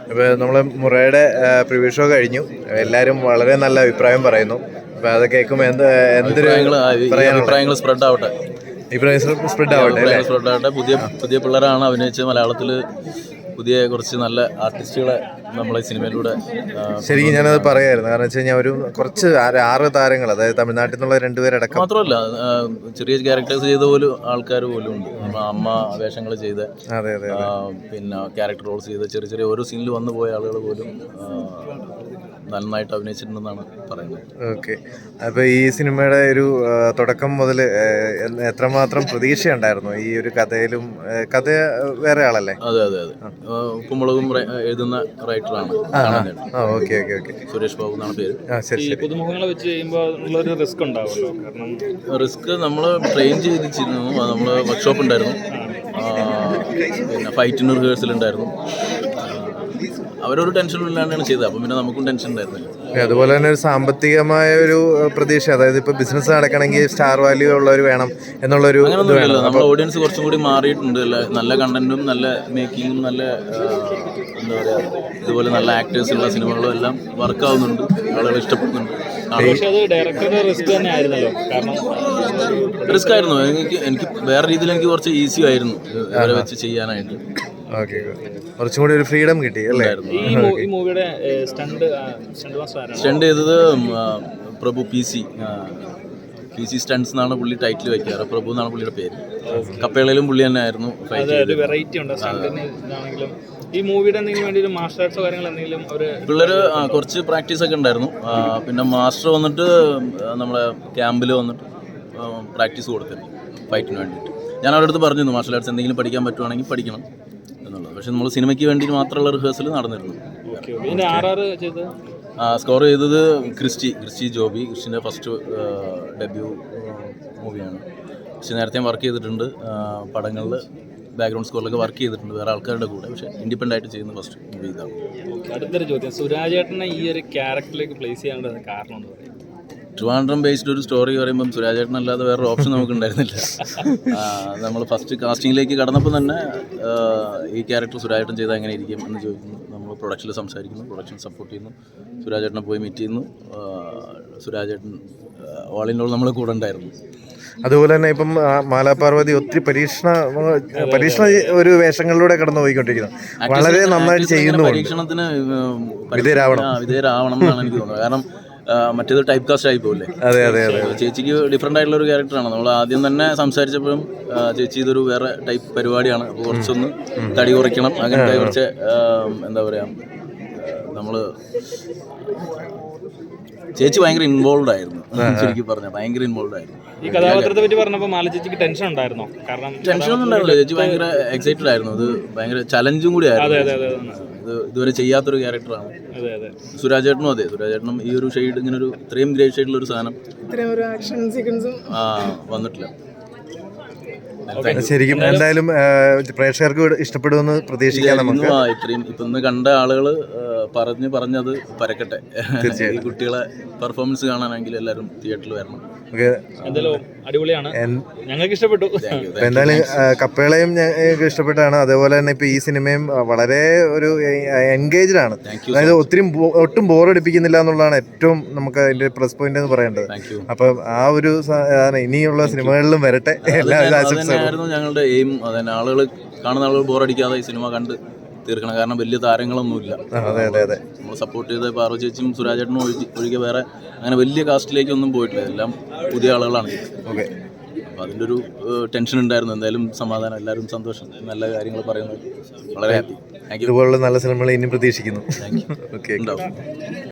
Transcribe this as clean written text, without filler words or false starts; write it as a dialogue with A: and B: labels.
A: ഇപ്പോൾ നമ്മൾ മുറയുടെ preview show കഴിഞ്ഞു, എല്ലാവരും വളരെ നല്ല അഭിപ്രായം പറയുന്നു. അപ്പോൾ അത് കേൾക്കുമ്പോൾ എന്തൊരു
B: അഭിപ്രായങ്ങൾ സ്പ്രെഡ് ആവട്ടെ,
A: സ്പ്രെഡ് ആവട്ടെ.
B: പുതിയ പുതിയ പിള്ളേരാണ് അഭിനയിച്ചത്. മലയാളത്തിൽ പുതിയ കുറച്ച് നല്ല ആർട്ടിസ്റ്റുകളെ നമ്മളെ സിനിമയിലൂടെ
A: ശരിക്കും ഞാനത് പറയായിരുന്നു. കാരണം വെച്ച് കഴിഞ്ഞാൽ ഒരു കുറച്ച് 6 താരങ്ങൾ, അതായത് തമിഴ്നാട്ടിൽ നിന്നുള്ള 2 പേരടക്കം,
B: മാത്രമല്ല ചെറിയ ക്യാരക്ടേഴ്സ് ചെയ്ത പോലും ആൾക്കാർ പോലും ഉണ്ട്. അമ്മ വേഷങ്ങൾ ചെയ്ത്, പിന്നെ ക്യാരക്ടർ റോൾസ് ചെയ്ത് ചെറിയ ചെറിയ ഓരോ സീനിൽ വന്നു പോയ ആളുകൾ പോലും നന്നായിട്ട് അഭിനയിച്ചിട്ടുണ്ടെന്നാണ് പറയുന്നത്.
A: ഓക്കെ. അപ്പോൾ ഈ സിനിമയുടെ ഒരു തുടക്കം മുതൽ എത്രമാത്രം പ്രതീക്ഷയുണ്ടായിരുന്നു ഈ ഒരു കഥയിലും? കഥ വേറെ ആളല്ലേ?
B: അതെ അതെ അതെ, ഉപ്പുമുളകും എഴുതുന്ന റൈറ്ററാണ്.
A: Okay okay okay.
B: Suresh Babu എന്നാണ് പേര്.
C: പുതുമുഖങ്ങളെ വെച്ച് ചെയ്യുമ്പോൾ ഉള്ളൊരു റിസ്ക് ഉണ്ടാവുമല്ലോ. കാരണം
B: റിസ്ക് നമ്മൾ ട്രെയിൻ ചെയ്തിരുന്നു, നമ്മൾ വർക്ക്ഷോപ്പ് ഉണ്ടായിരുന്നു, പിന്നെ ഫൈറ്റിന് റിഹേഴ്സൽ ഉണ്ടായിരുന്നു. അവരൊരു ടെൻഷനും ഇല്ലാണ്ടാണ് ചെയ്തത്, അപ്പം പിന്നെ നമുക്കും ടെൻഷൻ ഉണ്ടായിരുന്നില്ല.
A: അതുപോലെ തന്നെ ഒരു സാമ്പത്തികമായ ഒരു പ്രതീക്ഷ, അതായത് ഇപ്പോൾ ബിസിനസ് നടക്കണമെങ്കിൽ സ്റ്റാർ വാല്യൂ ഉള്ളവർ വേണം എന്നുള്ളൊരു
B: അങ്ങനെയൊന്നുമില്ല. നമ്മുടെ ഓഡിയൻസ് കുറച്ചും കൂടി മാറിയിട്ടുണ്ട്. നല്ല കണ്ടന്റും നല്ല മേക്കിങ്ങും നല്ല എന്താ പറയുക, ഇതുപോലെ നല്ല ആക്ടേഴ്സുള്ള സിനിമകളും എല്ലാം വർക്കാവുന്നുണ്ട്, ആളുകൾ ഇഷ്ടപ്പെടുന്നുണ്ട്. റിസ്ക് ആയിരുന്നു. എനിക്ക് വേറെ രീതിയിൽ എനിക്ക് കുറച്ച് ഈസി ആയിരുന്നു ഇവരെ വെച്ച് ചെയ്യാനായിട്ട്.
A: കുറച്ചും കൂടി ഒരു ഫ്രീഡം കിട്ടി അല്ലേ?
B: സ്റ്റണ്ട് ചെയ്തത് പ്രഭു പി സി സ്റ്റണ്ട്സ് എന്നാണ് പുള്ളി ടൈറ്റിൽ വയ്ക്കാറ്. പ്രഭു എന്നാണ് പുള്ളിയുടെ പേര്. കപ്പേളയിലും പുള്ളി തന്നെ ആയിരുന്നു.
C: ഈ മൂവിയുടെ എന്തെങ്കിലും വേണ്ടി ഒരു മാർഷൽ ആർട്സോ കാര്യങ്ങൾ എന്തെങ്കിലും
B: പിള്ളേർ കുറച്ച് പ്രാക്ടീസ് ഒക്കെ ഉണ്ടായിരുന്നു. പിന്നെ മാസ്റ്റർ വന്നിട്ട് നമ്മുടെ ക്യാമ്പിൽ വന്നിട്ട് പ്രാക്ടീസ് കൊടുത്തിരുന്നു ഫൈറ്റിന് വേണ്ടിയിട്ട്. ഞാൻ അവരുടെ അടുത്ത് പറഞ്ഞിരുന്നു മാർഷൽ ആർട്സ് എന്തെങ്കിലും പഠിക്കാൻ പറ്റുവാണെങ്കിൽ പഠിക്കണം എന്നുള്ളത്. പക്ഷെ നമ്മൾ സിനിമയ്ക്ക് വേണ്ടി മാത്രമുള്ള റിഹേഴ്സൽ നടന്നിരുന്നു. സ്കോർ ചെയ്തത് ക്രിസ്റ്റി ജോബി. ക്രിസ്റ്റിൻ്റെ ഫസ്റ്റ് ഡെബ്യൂ മൂവിയാണ്. ക്രിസ്റ്റി നേരത്തെ വർക്ക് ചെയ്തിട്ടുണ്ട് പടങ്ങളിൽ, ബാക്ക്ഗ്രൗണ്ട് സ്കോറിലൊക്കെ വർക്ക് ചെയ്തിട്ടുണ്ട് വേറെ ആൾക്കാരുടെ കൂടെ. പക്ഷേ ഇൻഡിപെൻഡൻ്റ് ആയിട്ട് ചെയ്യുന്ന ഫസ്റ്റ് മൂവി ഇതാണ്.
C: അടുത്തൊരു ചോദ്യം, സുരാജേട്ടനെ ഈ ഒരു ക്യാരക്ടറിലേക്ക് പ്ലേസ് ചെയ്യാനുള്ള കാരണം എന്ന് പറയുന്നത്?
B: ട്രിവാൻഡ്രം ബേസ്ഡ് ഒരു സ്റ്റോറി പറയുമ്പം സുരാജേട്ടൻ അല്ലാതെ വേറൊരു ഓപ്ഷൻ നമുക്ക് ഉണ്ടായിരുന്നില്ല. നമ്മൾ ഫസ്റ്റ് കാസ്റ്റിങ്ങിലേക്ക് കടന്നപ്പോൾ തന്നെ ഈ ക്യാരക്ടർ സുരാജേട്ടൻ ചെയ്താൽ എങ്ങനെ ഇരിക്കും എന്ന് ചോദിക്കുന്നു. നമ്മൾ പ്രൊഡക്ഷനിൽ സംസാരിക്കുന്നു, പ്രൊഡക്ഷൻ സപ്പോർട്ട് ചെയ്യുന്നു, സുരാജേട്ടനെ പോയി മീറ്റ് ചെയ്യുന്നു. സുരാജേട്ടൻ ഓൾ ഇൻ ഓൾ നമ്മളെ കൂടെ ഉണ്ടായിരുന്നു.
A: അതുപോലെ തന്നെ ഇപ്പം മാലാപാർവതി ഒത്തിരി പരീക്ഷണ ഒരു വേഷങ്ങളിലൂടെ കടന്നു പോയിക്കൊണ്ടിരിക്കുന്നു. വളരെ നന്നായിട്ട് ചെയ്യുന്നു.
B: പരീക്ഷണത്തിന് വിധേയരാവണം എന്നാണ് എനിക്ക് തോന്നുന്നത്. കാരണം മറ്റേത് ടൈപ്പ് കാസ്റ്റ് ആയി പോകില്ലേ.
A: അതെ അതെ അതെ.
B: ചേച്ചിക്ക് ഡിഫറെൻ്റ് ആയിട്ടുള്ള ഒരു ക്യാരക്ടറാണ്. നമ്മൾ ആദ്യം തന്നെ സംസാരിച്ചപ്പോഴും ചേച്ചി ഇതൊരു വേറെ ടൈപ്പ് പരിപാടിയാണ്, അപ്പോൾ കുറച്ചൊന്ന് തടി കുറയ്ക്കണം, അങ്ങനത്തെ കുറച്ച് എന്താ പറയുക, നമ്മൾ ചേച്ചി ഭയങ്കര ഇൻവോൾവ് ആയിരുന്നു. ശരിക്കും പറഞ്ഞാൽ ഭയങ്കര ഇൻവോൾവ് ആയിരുന്നു.
C: ഈ കഥാപാത്രത്തെ പറ്റി പറഞ്ഞപ്പോൾ മാല ചേച്ചിക്ക് ടെൻഷൻ ഉണ്ടായിരുന്നോ? കാരണം
B: ടെൻഷനൊന്നും ഉണ്ടായിരുന്നില്ല. ചേച്ചി ഭയങ്കര എക്സൈറ്റഡ് ആയിരുന്നു. ഇത് ഭയങ്കര ചലഞ്ചും കൂടി ആയിരുന്നു. ഇതുവരെ ചെയ്യാത്തൊരു ക്യാരക്ടറാണ്. സുരാജേട്ടനും അതെ, സുരാജേട്ടനും ഈ ഒരു ഷെയ്ഡ്, ഇങ്ങനെ ഒരു ഇത്രയും ഗ്രേ ഷെയ്ഡിലുള്ള ഒരു സാധനം വന്നിട്ടില്ല.
A: ശരിക്കും എന്തായാലും പ്രേക്ഷകർക്ക് ഇഷ്ടപ്പെടുമെന്ന് പ്രതീക്ഷിക്കാം നമുക്ക്.
B: ഇത്രയും ഇപ്പം ഇന്ന് കണ്ട ആളുകൾ പറഞ്ഞത് പരക്കട്ടെ. ഈ കുട്ടികളെ പെർഫോമൻസ് കാണാനെങ്കിൽ എല്ലാവരും തിയേറ്ററിൽ വരണം.
C: അടിപൊളിയാണ്, ഞങ്ങൾക്ക് ഇഷ്ടപ്പെട്ടു.
A: എന്തായാലും കപ്പേളയും ഞങ്ങൾക്ക് ഇഷ്ടപ്പെട്ടാണ്. അതേപോലെ തന്നെ ഇപ്പൊ ഈ സിനിമയും വളരെ ഒരു എൻഗേജ്ഡ് ആണ്. അതായത് ഒട്ടും ബോറടിപ്പിക്കുന്നില്ല എന്നുള്ളതാണ് ഏറ്റവും നമുക്ക് അതിന്റെ പ്ലസ് പോയിന്റ് എന്ന് പറയേണ്ടത്. അപ്പൊ ആ ഒരു ഇനിയുള്ള സിനിമകളിലും വരട്ടെ.
B: ആയിരുന്നു ഞങ്ങളുടെ എയിം. അതന്നെ, ആളുകൾ കാണുന്ന ആളുകൾ ബോറടിക്കാതെ ഈ സിനിമ കണ്ട് തീർക്കണം. കാരണം വലിയ താരങ്ങളൊന്നുമില്ല. നമ്മൾ സപ്പോർട്ട് ചെയ്ത പാർവതി ചേച്ചിയും സുരാജേട്ടനും ഒഴികെ വേറെ അങ്ങനെ വലിയ കാസ്റ്റിലേക്കൊന്നും പോയിട്ടില്ല. എല്ലാം പുതിയ ആളുകളാണ്.
A: ഓക്കെ.
B: അപ്പോൾ അതിൻ്റെ ഒരു ടെൻഷൻ ഉണ്ടായിരുന്നു. എന്തായാലും സമാധാനം, എല്ലാവരും സന്തോഷം, നല്ല കാര്യങ്ങൾ പറയുന്നത് വളരെ ഹാപ്പി.
A: ഇതുപോലുള്ള നല്ല സിനിമകൾ ഇനിയും പ്രതീക്ഷിക്കുന്നു.
B: ഉണ്ടാവും.